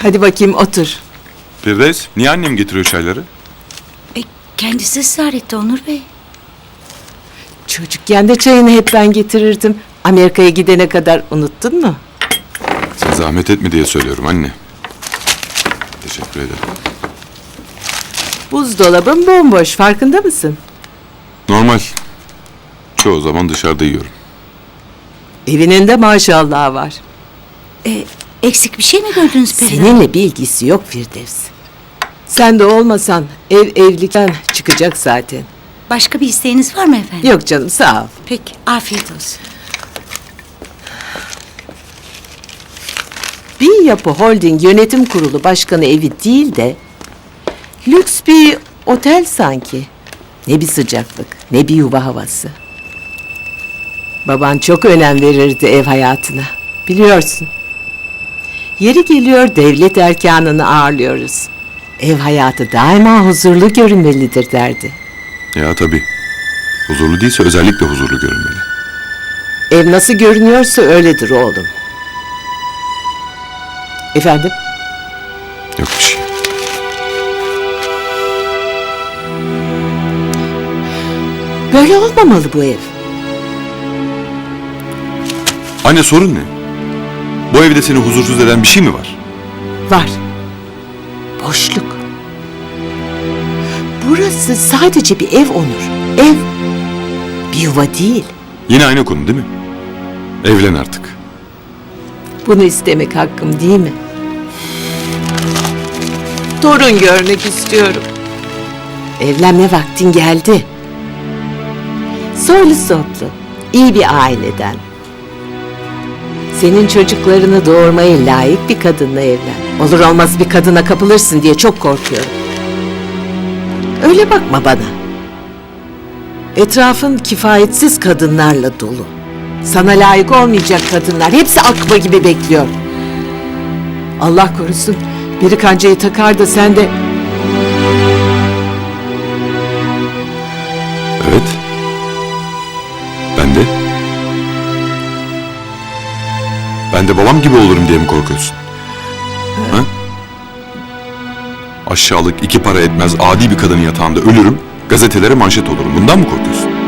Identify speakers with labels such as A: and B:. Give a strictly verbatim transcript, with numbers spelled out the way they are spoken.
A: Hadi bakayım otur.
B: Firdevs, niye annem getiriyor çayları?
C: E, kendisi ısrar etti Onur Bey.
A: Çocukken de çayını hep ben getirirdim. Amerika'ya gidene kadar unuttun mu?
B: Sen zahmet etme diye söylüyorum anne. Teşekkür ederim.
A: Buzdolabın bomboş, farkında mısın?
B: Normal. Çoğu zaman dışarıda yiyorum.
A: Evinin de maşallahı var.
C: E, eksik bir şey mi gördünüz Perihan?
A: Seninle bir ilgisi yok Firdevs. Sen de olmasan ev evlilikten çıkacak zaten.
C: Başka bir isteğiniz var mı efendim?
A: Yok canım, sağ ol.
C: Peki, afiyet olsun.
A: Bir Yapı Holding Yönetim Kurulu Başkanı evi değil de lüks bir otel sanki. Ne bir sıcaklık, ne bir yuva havası. Baban çok önem verirdi ev hayatına. Biliyorsun. Yeri geliyor devlet erkanını ağırlıyoruz. Ev hayatı daima huzurlu görünmelidir derdi.
B: Ya tabii. Huzurlu değilse özellikle huzurlu görünmeli.
A: Ev nasıl görünüyorsa öyledir oğlum. Efendim?
B: Yok bir şey.
A: Böyle olmamalı bu ev.
B: Anne sorun ne? Bu evde seni huzursuz eden bir şey mi var?
A: Var. Boşluk. Burası sadece bir ev Onur. Ev. Bir yuva değil.
B: Yine aynı konu değil mi? Evlen artık.
A: Bunu istemek hakkım değil mi? Torun görmek istiyorum. Evlenme vaktin geldi. Soylu soplu, iyi bir aileden. Senin çocuklarını doğurmaya layık bir kadınla evlen. Olur olmaz bir kadına kapılırsın diye çok korkuyorum. Öyle bakma bana. Etrafın kifayetsiz kadınlarla dolu. Sana layık olmayacak kadınlar. Hepsi akba gibi bekliyor. Allah korusun. Biri kancayı takar da sen de...
B: Evet. Ben de. Ben de babam gibi olurum diye mi korkuyorsun? Ha? Aşağılık iki para etmez adi bir kadının yatağında ölürüm, gazetelere manşet olurum. Bundan mı korkuyorsun?